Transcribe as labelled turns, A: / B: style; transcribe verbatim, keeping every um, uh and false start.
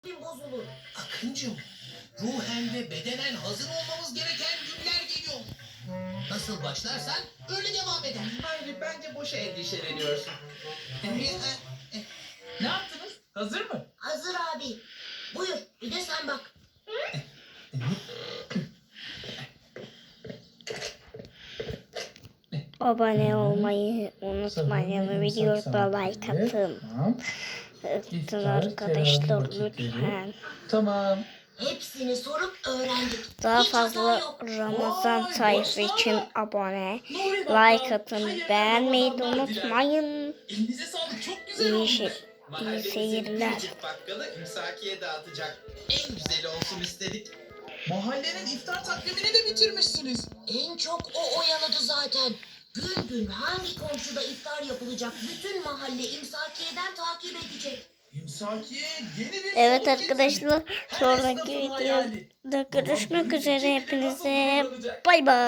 A: bozulur.
B: Akıncım, ruhen ve bedenen hazır olmamız gereken günler geliyor. Nasıl başlarsan öyle devam eder.
C: Hayır, bence boşa endişeleniyorsun. Ne yaptınız? Hazır mı?
A: Hazır abi. Buyur bir de sen bak.
D: Abone olmayı unutmayın. Videoda like atın.
C: Tamam.
D: Atın arkadaşlar lütfen.
C: Tamam.
A: Hepsini sorup öğrendik.
D: Daha
A: Hiç hata
D: fazla
A: yok.
D: Ramazan
C: Vay,
D: tayfı
C: başlama.
D: için abone,
C: Nuri Bakkal,
D: like atın,
C: hayırlı
D: beğenmeyi de
C: Ramazanlar diler.
D: unutmayın.
C: Elinize sağlık, çok güzel
D: İyi,
C: olmuş.
D: şey, iyi
C: Mahallemizin
D: seyirler.
C: biricik bakkalı imsakiye dağıtacak.
B: En güzeli olsun istedik.
C: Mahallenin iftar takvimini de bitirmişsiniz.
A: En çok o oyaladı zaten. Gün gün hangi komşuda iftar yapılacak bütün mahalle imsakiyeden takip edecek.
C: İmsakiye yeni bir
D: Evet
C: soluk
D: arkadaşlar,
C: getirdi. Her
D: sonraki
C: esnafın
D: videoda
C: hayali.
D: görüşmek
C: Babam
D: üzere.
C: büyüyecek,
D: Hepinize
C: kafası kullanacak.
D: bay bay.